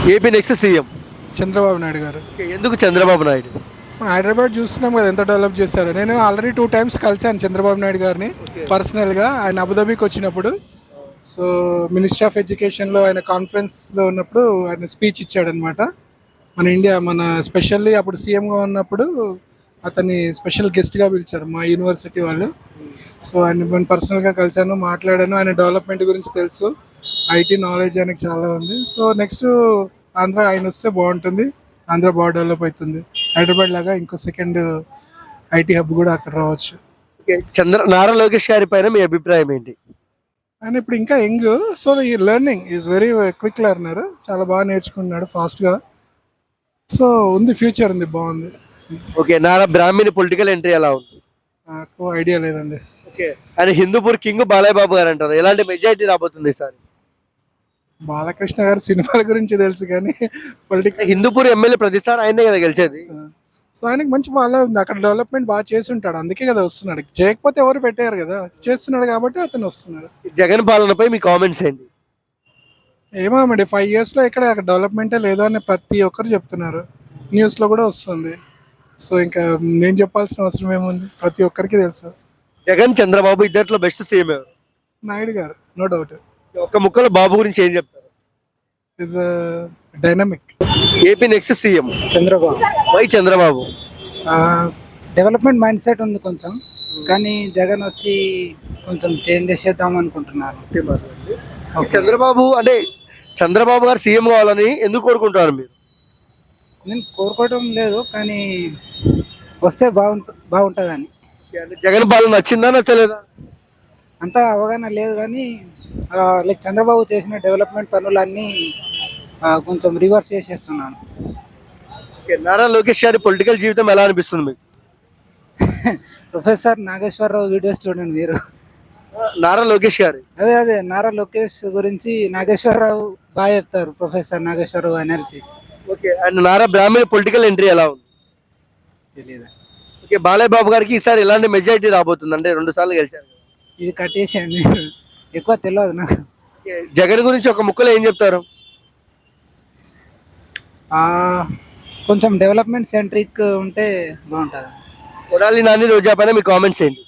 AP next CM Chandrababu Naidu garu. ఎందుకు చంద్రబాబు నాయుడు? మన హైదరాబాద్ చూస్తున్నాం కదా ఎంత డెవలప్ చేశారు. నేను ఆల్రెడీ 2 టైమ్స్ కలిశాను చంద్రబాబు నాయుడు గారిని పర్సనల్గా. ఆయన అబుదాబీకి వచ్చినప్పుడు, సో మినిస్ట్రీ ఆఫ్ ఎడ్యుకేషన్లో ఆయన కాన్ఫరెన్స్లో ఉన్నప్పుడు ఆయన స్పీచ్ ఇచ్చాడనమాట. మన ఇండియా మన స్పెషల్లీ అప్పుడు సీఎంగా ఉన్నప్పుడు అతన్ని స్పెషల్ గెస్ట్గా పిలిచారు మా యూనివర్సిటీ వాళ్ళు. సో ఆయన నేను పర్సనల్గా కలిశాను, మాట్లాడాను. ఆయన డెవలప్మెంట్ గురించి తెలుసు, ఐటీ నాలెడ్జ్ ఆయనకు చాలా ఉంది. సో నెక్స్ట్ ఆంధ్ర ఆయన వస్తే బాగుంటుంది, ఆంధ్ర బాగా డెవలప్ అవుతుంది. హైదరాబాద్ లాగా ఇంకో సెకండ్ ఐటీ హబ్ కూడా అక్కడ రావచ్చు. నారా లోకేష్ గారి పైన మీ అభిప్రాయం ఏంటి? ఆయన ఇప్పుడు ఇంకా యంగ్, సో ఈ learning is very quick learner, చాలా బాగా నేర్చుకున్నాడు ఫాస్ట్గా. సో ఉంది, ఫ్యూచర్ ఉంది, బాగుంది. Okay, Nara Brahmani political entry ఎలా ఉంది? నాకు ఐడియా లేదండి. ఓకే, ఆయన హిందూపూర్ కింగ్ బాలయ్య బాబు గారు అంటారు. ఎలాంటి మెజారిటీ రాబోతుంది సార్? బాలకృష్ణ గారి సినిమాల గురించి తెలుసు కానీ పొలిటికల్. హిందూపూర్ ఎమ్మెల్యే ప్రతిసారి ఆయనే కదా గెలిచేది. సో ఆయనకి మంచి ఫాలో ఉంది, అక్కడ డెవలప్మెంట్ బాగా చేసి ఉంటాడు, అందుకే కదా వస్తున్నాడు. చేయకపోతే ఎవరు పెట్టారు కదా, చేస్తున్నాడు కాబట్టి అతను వస్తున్నాడు. జగన్ పాలనపై మీ కామెంట్స్ ఏంటి? ఏమో అండి, 5 yearsలో ఇక్కడ డెవలప్మెంటే లేదు అని ప్రతి ఒక్కరు చెప్తున్నారు, న్యూస్లో కూడా వస్తుంది. సో ఇంకా నేను చెప్పాల్సిన అవసరం ఏముంది, ప్రతి ఒక్కరికి తెలుసు. జగన్ చంద్రబాబు ఇద్దరిలో బెస్ట్ సీఎం ఎవరు? నాయుడు గారు, నో డౌట్. ఒక్క ముక్కలో బాబు గురించి ఏం చెప్తారు? Is dynamic. AP next CM Chandrababu. Why Chandrababu? Development mind set ఉంది కొంచెం, కానీ జగన్ వచ్చి కొంచెం చేంజ్ చేసేద్దాం అనుకుంటున్నారు. చంద్రబాబు అంటే చంద్రబాబు గారు సీఎం కావాలని ఎందుకు కోరుకుంటున్నారు మీరు? నేను కోరుకోవడం లేదు, కానీ వస్తే బాగుంటుందని. జగన్ పాలన నచ్చిందా నచ్చలేదా? అంతా అవగాహన లేదు, కానీ లైక్ చంద్రబాబు చేసిన డెవలప్మెంట్ పనులన్నీ కొంచెం రివర్స్ చేసేస్తున్నాను. నారా లోకేష్ గారి పొలిటికల్ జీవితం ఎలా అనిపిస్తుంది మీకు? ప్రొఫెసర్ నాగేశ్వరరావు వీడియోస్ చూడండి మీరు. నారా లోకేష్ గారు అదే నారా లోకేష్ గురించి నాగేశ్వరరావు బాగా చెప్తారు, professor Nageswararao analysis. Okay, and Nara Brahmani political entry ఎలా ఉంది? తెలియదు. ఓకే, బాలయ్య బాబు గారికి ఈసారి ఎలాంటి మెజారిటీ రాబోతుంది? అంటే 2 సార్లు గెలిచారు. ఇది కట్టేసేయండి, ఎక్కువ తెలియదు నాకు. జగన్ గురించి ఒక ముక్కలో ఏం చెప్తారు? కొంచెం డెవలప్మెంట్ సెంట్రిక్ ఉంటే బాగుంటుంది. కొడాలి నాని రోజా పైన మీ కామెంట్స్ ఏంటి?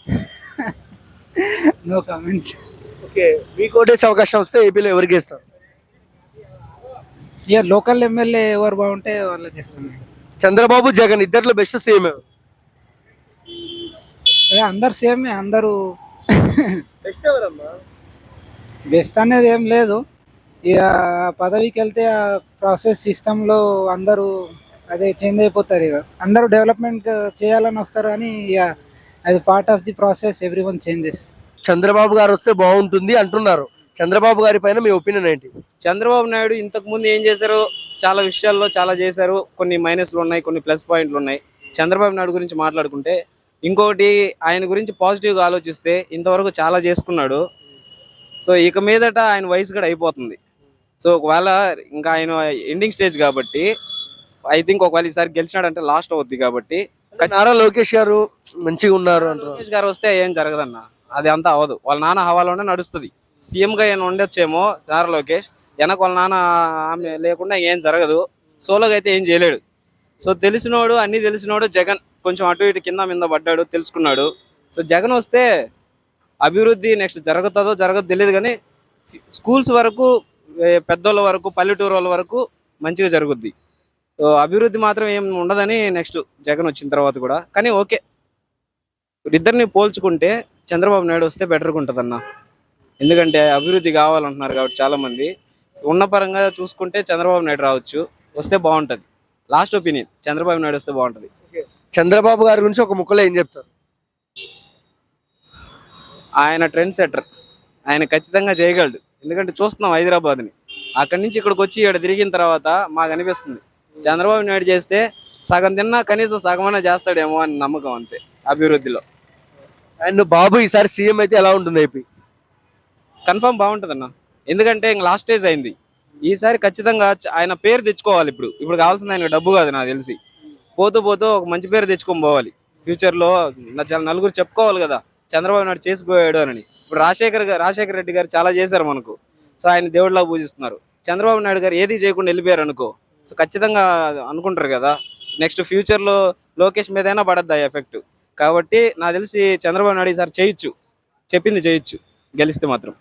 No comments. ఓకే, మీకు ఓటేసే అవకాశం వస్తే ఏపీలో ఎవరికి ఇస్తారు? ఇక లోకల్ ఎమ్మెల్యే ఎవరు బాగుంటే వాళ్ళకి ఇస్తున్నాయి. చంద్రబాబు జగన్ ఇద్దరిలో బెస్ట్ సీఎం ఎవరు? అందరు సేమే, అందరూ బెస్ట్ అనేది ఏం లేదు. ఇక పదవికి వెళ్తే ఆ ప్రాసెస్ సిస్టంలో అందరూ అదే చేంజ్ అయిపోతారు. ఇక అందరూ డెవలప్మెంట్ చేయాలని వస్తారు, కానీ ఇక అది part of the process, every one changes. Chandrababu garu వస్తే బాగుంటుంది అంటున్నారు. చంద్రబాబు గారి పైన మీ ఒపీనియన్ ఏంటి? చంద్రబాబు నాయుడు ఇంతకు ముందు ఏం చేశారు, చాలా విషయాల్లో చాలా చేశారు. కొన్ని మైనస్లు ఉన్నాయి, కొన్ని ప్లస్ పాయింట్లు ఉన్నాయి. చంద్రబాబు నాయుడు గురించి మాట్లాడుకుంటే, ఇంకొకటి ఆయన గురించి పాజిటివ్గా ఆలోచిస్తే ఇంతవరకు చాలా చేసుకున్నాడు. సో ఇక మీదట ఆయన వయసు కూడా అయిపోతుంది. సో ఒకవేళ ఇంకా ఆయన ఎండింగ్ స్టేజ్ కాబట్టి, ఐ థింక్ ఒకవేళ ఈసారి గెలిచినాడంటే లాస్ట్ అవుద్ది కాబట్టి. నారా లోకేష్ గారు మంచిగా ఉన్నారు అంటారు. లోకేష్ గారు వస్తే ఏం జరగదన్న, అది అంతా అవ్వదు. వాళ్ళ నాన్న హవాలోనే నడుస్తుంది. సీఎంగా ఆయన ఉండొచ్చేమో నారా లోకేష్, వెనక వాళ్ళ నాన్న ఆమె లేకుండా ఏం జరగదు. సోలోగా అయితే ఏం చేయలేడు. సో తెలిసినోడు, అన్నీ తెలిసినోడు జగన్. కొంచెం అటు ఇటు కింద మీద పడ్డాడు, తెలుసుకున్నాడు. సో జగన్ వస్తే అభివృద్ధి నెక్స్ట్ జరుగుతుందో జరగదో తెలియదు, కానీ స్కూల్స్ వరకు, పెద్దోళ్ళ వరకు, పల్లెటూరు వాళ్ళ వరకు మంచిగా జరుగుద్ది. సో అభివృద్ధి మాత్రం ఏం ఉండదని నెక్స్ట్ జగన్ వచ్చిన తర్వాత కూడా. కానీ ఓకే, ఇద్దరిని పోల్చుకుంటే చంద్రబాబు నాయుడు వస్తే బెటర్గా ఉంటుంది అన్న. ఎందుకంటే అభివృద్ధి కావాలంటున్నారు కాబట్టి చాలామంది. ఉన్న పరంగా చూసుకుంటే చంద్రబాబు నాయుడు రావచ్చు, వస్తే బాగుంటుంది. లాస్ట్ ఒపీనియన్, చంద్రబాబు నాయుడు వస్తే బాగుంటుంది. చంద్రబాబు గారి గురించి ఒక ముక్కలో ఏం చెప్తారు? ఆయన ట్రెండ్ సెటర్, ఆయన ఖచ్చితంగా చేయగలడు. ఎందుకంటే చూస్తున్నాం హైదరాబాద్ని, అక్కడి నుంచి ఇక్కడికి వచ్చి ఇక్కడ తిరిగిన తర్వాత మాకు అనిపిస్తుంది చంద్రబాబు నాయుడు చేస్తే సగం తిన్నా కనీసం సగమైనా చేస్తాడేమో అని నమ్మకం, అంతే అభివృద్ధిలో. అండ్ బాబు ఈసారి సీఎం అయితే ఎలా ఉంటుంది ఏపీ? కన్ఫర్మ్ బాగుంటుంది అన్న, ఎందుకంటే ఇంక లాస్ట్ స్టేజ్ అయింది. ఈసారి ఖచ్చితంగా ఆయన పేరు తెచ్చుకోవాలి. ఇప్పుడు కావాల్సింది ఆయన డబ్బు కాదు నాకు తెలిసి. పోతూ ఒక మంచి పేరు తెచ్చుకొని పోవాలి. ఫ్యూచర్లో చాలా నలుగురు చెప్పుకోవాలి కదా చంద్రబాబు నాయుడు చేసిపోయాడు అని. ఇప్పుడు రాజశేఖర్ రెడ్డి గారు చాలా చేశారు మనకు. సో ఆయన దేవుడిలా పూజిస్తున్నారు. చంద్రబాబు నాయుడు గారు ఏది చేయకుండా వెళ్ళిపోయారు అనుకో, సో ఖచ్చితంగా అనుకుంటారు కదా నెక్స్ట్ ఫ్యూచర్లో లోకేష్ మీదైనా పడద్దు ఆ ఎఫెక్ట్. కాబట్టి నాకు తెలిసి చంద్రబాబు నాయుడు ఈసారి చేయొచ్చు, చెప్పింది చేయొచ్చు గెలిస్తే మాత్రం.